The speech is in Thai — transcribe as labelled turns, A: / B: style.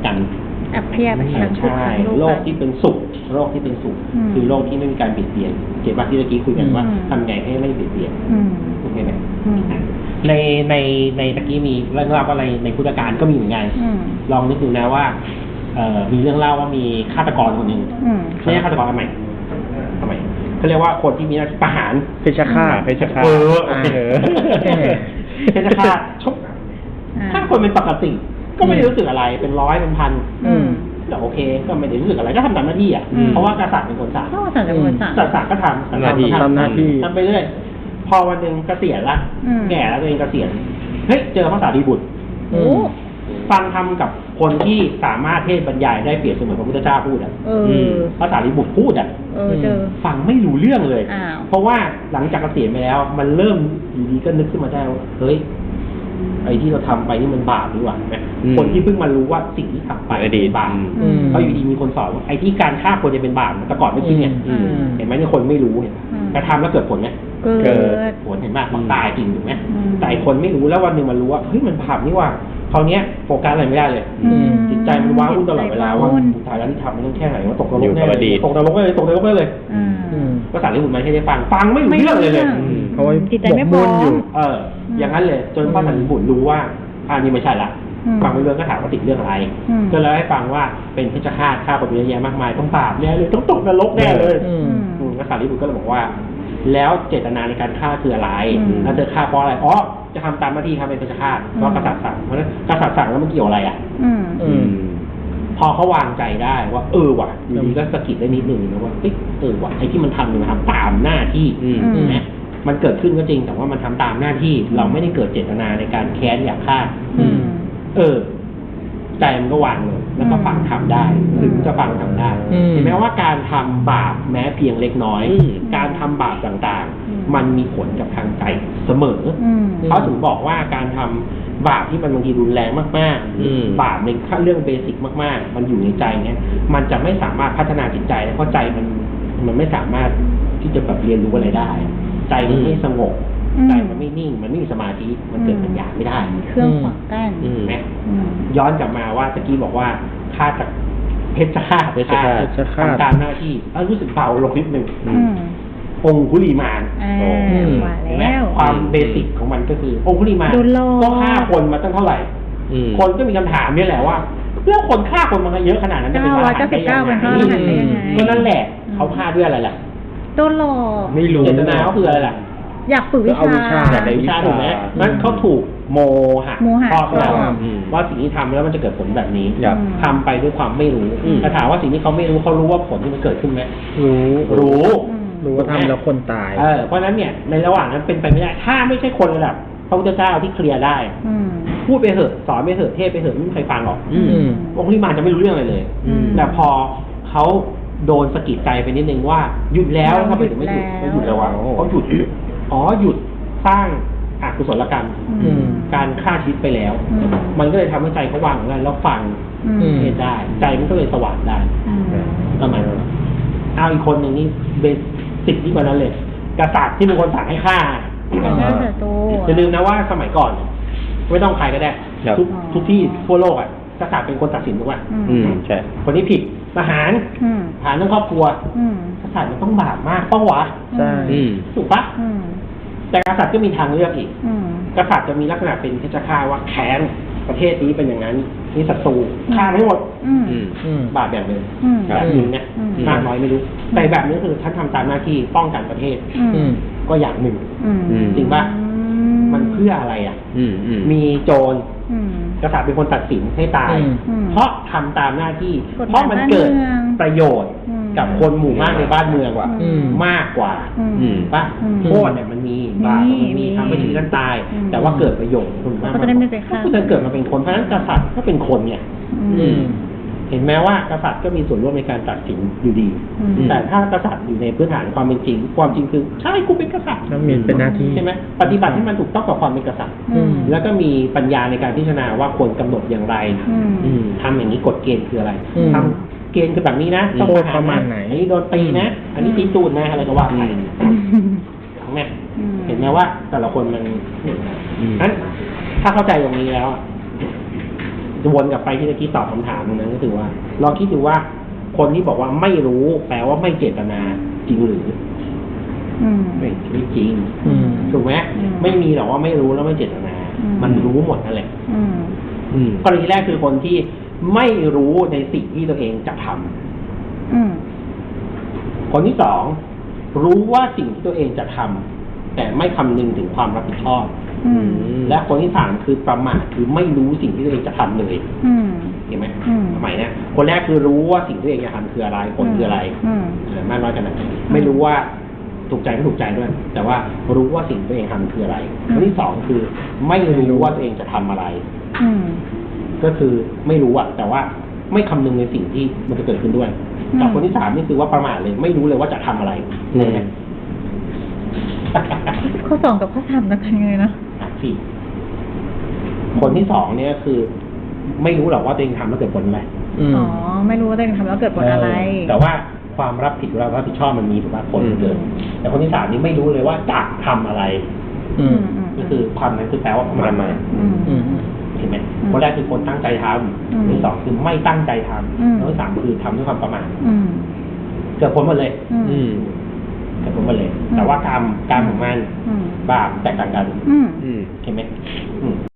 A: กัน
B: เพียบทั้งทุกข์ทั้งโลก
A: โลกที่เป็นสุขโลกที่เป็นสุขคือโลกที่ไม่มีการเบียดเบียนเกี่ยวกับที่เมื่อกี้คุยกันว่าทำไงให้ไม่เบียดเบียนโอเคไหมในตะกี้มีเรื่องเล่าอะไรในพุทธการก็มีเหมือนกันลองนึกดูนะว่ามีเรื่องเล่าว่ามีฆาตกรคนหนึ่งไม่ใช่ฆาตกรทำไมเขาเรียกว่าคนที่มีหน้าที่ประหาร
C: เพชฌฆาต
A: เพชฌฆาตถ้าคนเป็นปกติก็ไม่ได้รู้สึกอะไรเป็นร้อยเป็นพันแต่โอเคก็ไม่ได้รู้สึกอะไรก็ทำตามหน้าที่อ่ะเพราะว่ากษัตริย์เป็นคนสั่งสัตว์ก็ทำ
C: หน้าที่
A: ทำไปเรื่อยพอวันหนึ่งเกษียณละแก่แล้วตัวเองเกษียณเฮ้ยเจอพระสารีบุตรฟังธรรมกับคนที่สามารถเทศบรรยายได้เปรียบเสมือนพระพุทธเจ้าพูดอ่ะพระสารีบุตรพูดอ่ะฟังไม่รู้เรื่องเลยเพราะว่าหลังจากเกษียณไปแล้วมันเริ่มอยู่ดีก็นึกขึ้นมาได้ว่าเฮ้ยไอ้ที่เราทำไปนี่มันบาปหรือเปล่าคนที่เพิ่งมารู้ว่าสิ่งที่ทำไปเป็นบาปเพราะอยู่ดีมีคนสอนว่าไอ้ที่การฆ่าคนจะเป็นบาปแต่ก่อนไม่คิดเนี่ยเห็นไหมเนี่ยคนไม่รู้เนี่ยแต่ทำแล้วเกิดผลไหมเกิดผลเห็นไหมมันตายจริงถูกไหมแต่คนไม่รู้แล้ววันหนึ่งมันรู้ว่าเฮ้ยมันบาปนี่ว่าคราวนี้โฟกัสอะไรไม่ได้เลยจิตใจมันว้าวุ่นตลอดเวลาว่าสุดท้ายแล้วที่ทำมันต้องแค่ไหนว่าตกนรกแน่เลยตกนรกได้เลยตกนรกได้เลยภาษาญี่ปุ่นไม่ใช่ได้ฟังไม่รู้เรื่องเลย
C: เพราะว่า
B: จิตใจไม่พร้อม
A: อย่างนั้นเลยจนภาษาญี่ปุ่นรู้ว่านี่ไม่ใช่ละฟังไม่เรื่องก็ถามว่าติดเรื่องอะไรก็เลยให้ฟังว่าเป็นเพชฌฆาตฆ่าคนเยอะแยะมากมายต้องบาปแน่เลยต้องตกนรกแน่เลยภาษาญี่ปุ่นก็เลยบอกว่าแล้วเจตนาในการฆ่าคืออะไรแล้วเธอฆ่าเพราะอะไรจะทำตามหน้าที่ทำเป็นเพชฌฆาตเพราะกษัตริย์สั่งเพราะฉะนั้นกษัตริย์สั่งแล้วมันเกี่ยวอะไรอ่ะพอเขาวางใจได้ว่าว่ะอยู่ดีก็สะกิดได้นิดนึงนะว่าว่ะไอ้ที่มันทำเนี่ยมันทำตามหน้าที่นะมันเกิดขึ้นก็จริงแต่ว่ามันทำตามหน้าที่เราไม่ได้เกิดเจตนาในการแค้นอยากฆ่าใจมันก็วางเลยแล้วก็ฟังทำได้ถึงจะฟังทำได้เห็นไหมว่าการทำบาปแม้เพียงเล็กน้อยการทำบาปต่างๆมันมีผลกับทางใจเสมอเขาถึงบอกว่าการทำบาปที่มันบางทีรุนแรงมากๆบาปในเรื่องเบสิกมากๆมันอยู่ในใจเนี่ยมันจะไม่สามารถพัฒนาจิตใจเพราะใจมันไม่สามารถที่จะแบบเรียนรู้อะไรได้ใจมันไม่สงบใจมันไม่นิ่งมันไม่มีสมาธิมันเกิดปัญญาไม่ได้
B: เครื่องขวางกั้น
A: นะย้อนกลับมาว่าตะกี้บอกว่าฆ่าจากเพชฌฆาตทำตามหน้าที่รู้สึกเบาลงนิดนึงองคุลีมานเห็นไหมความเบสิกของมันก็คือองคุลีมานก็ฆ่าคนมาตั้งเท่าไหร่คนก็มีคำถามนี่แหละว่าแล้วคนฆ่าคนมาเยอะขนาดนั้นจะเป็นว่าได้ยังไงก็นั่นแหละเขาฆ่าด้วยอะไรล่ะ
B: โดนหลอก
A: ไม่รู้เจตนาเขาคืออะไรล่ะ
B: อยากฝึกวิชา
A: อยากได้วิชาถูกไหมนั้นเขาถูกโมหะครอบงำว่าสิ่งที่ทำแล้วมันจะเกิดผลแบบนี้ทำไปด้วยความไม่รู้แต่ถามว่าสิ่งที่เขาไม่รู้เขารู้ว่าผลที่มันเกิดขึ้นไหมรู้
C: ว่าทำแล้วคนตาย
A: เพราะนั้นเนี่ยในระหว่างนั้นเป็นไปไม่ได้ถ้าไม่ใช่คนระดับพระพุทธเจ้าที่เคลียร์ได้พูดไปเถอะสอนไปเถอะเทศไปเถอะไม่มีใครฟังหรอกองค์ลิมานจะไม่รู้เรื่องอะไรเลยแต่พอเขาโดนสะกิดใจไปนิดนึงว่าหยุดแล้วทำไมถึงไม่หยุดไม่หยุดแล้ววะเขาหยุดหยุดสร้างอกุศลกรรมการฆ่าชีวิตไปแล้วมันก็เลยทำให้ใจเขาวางงั้นแล้วฟังเทศได้ใจมันก็เลยสว่างได้ประมาณนั้นเอาอีกคนหนึ่งนี่เบสิกที่กว่านั้นเลยกษัตริย์ที่เป็นคนสั่งให้ฆ่าจะลืมนะว่าสมัยก่อนไม่ต้องใครก็ได้ทุกที่ทั่วโลกอ่ะกษัตริย์เป็นคนตัดสินถูกไหม
C: ใช่
A: คนนี้ผิดประหารเรื่องครอบครัวกษัตริย์มันต้องบาปมากป้าวะ
C: ใช่
A: ถูกปะแต่กษัตริย์ก็มีทางเลือกอีกกษัตริย์จะมีลักษณะเป็นเพชฌฆาตว่าแค้นประเทศนี้เป็นอย่างนั้นนี่ศัตรูฆ่าไม่หมดบาปแบบนึงแบบนึงเนี่ยมากน้อยไม่รู้แต่แบบนี้คือท่านทำตามหน้าที่ป้องกันประเทศก็อย่างหนึ่งจริงปะมันเพื่ออะไรอ่ะมีโจรกษัตริย์เป็นคนตัดสินให้ตายเพราะทำตามหน้าที่เพราะมันเกิดประโยชน์กับคนหมู่มากในบ้านเมืองว่ะมากกว่าป่ะโทษเนี่ยมันมีบาปมันมีทำให้ชีวิตท่านตายแต่ว่าเกิดประโยชน์คุณมากก็จะเกิดมาเป็นคนเพราะฉะนั้นกษัตริย์ก็เป็นคนเนี่ยเห็นไหมว่ากษัตริย์ก็มีส่วนร่วมในการตัดสินอยู่ดีแต่ถ้ากษัตริย์อยู่ในพื้นฐานความเป็นจริงความจริงคือใช่กูเป็นกษัตริย์
C: ต้องมีเป็นหน้าที่
A: ใช่ไหมปฏิบัติให้มันถูกต้องกับความเป็นกษัตริย์แล้วก็มีปัญญาในการพิจารณาว่าควรกำหนดอย่างไรทำอย่างนี้กฎเกณฑ์คืออะไรทำเกณฑ์คือแบบนี้นะ
C: ต้องประมาณไหน
A: อันนี้โดนตีนะอันนี้ตีตูดนะอะไรก็ว่าไปเห็นไหมว่าแต่ละคนมันนั้นถ้าเข้าใจตรงนี้แล้วจะวนกลับไปที่ตะกี้ตอบคำถามนั้นก็คือว่าลองคิดดูว่าคนที่บอกว่าไม่รู้แปลว่าไม่เจตนาจริงหรือไม่จริงถูกไหมไม่มีหรอกว่าไม่รู้แล้วไม่เจตนามันรู้หมดนั่นแหละกรณีแรกคือคนที่ไม่รู้ในสิ่งที่ตัวเองจะทำคนที่สองรู้ว่าสิ่งที่ตัวเองจะทำแต่ไม่คำนึงถึงความรับผิดชอบและคนที่สามคือประมาทคือไม่รู้สิ่งที่ตัวเองจะทำเลยเห็นไหมสมัยนี้คนแรกคือรู้ว่าสิ่งที่ตัวเองจะทำคืออะไรผลคืออะไรมากน้อยขนาดไหนไม่รู้ว่าถูกใจไม่ถูกใจด้วยแต่ว่ารู้ว่าสิ่งที่ตัวเองทำคืออะไรคนที่สองคือไม่รู้ว่าตัวเองจะทำอะไรก็คือไม่รู้อะแต่ว่าไม่คำนึงในสิ่งที่มันจะเกิดขึ้นด้วยกับคนที่สามนี่คือว่าประมาทเลยไม่รู้เลยว่าจะทำอะไรเนี่ย
B: ข้อสองกับข้อสามกันยังไงนะ
A: พี่คนที่สองเนี่ยคือ ไม่รู้หรอกว่าตัวเองทำแล้วเกิดผลอะไร
B: อ๋อไม่รู้ว่าตัวเองทำแล้วเกิดผลอะไร
A: แต่ว่าความรับผิดชอบมันมีถูกไหมผลเกิดแต่คนที่สามนี่ไม่รู้เลยว่าจะทำอะไรก็คือความนั้นคือแปลว่าประมาทเห็นไหมคนแรกคือคนตั้งใจทำคนที่สองคือไม่ตั้งใจทำคนที่สามคือทำด้วยความประมาทเกิดผลหมดเลยเกิดผลหมดเลยแต่ว่ากรรมของมันบาปแตกต่างกันเห็นไหม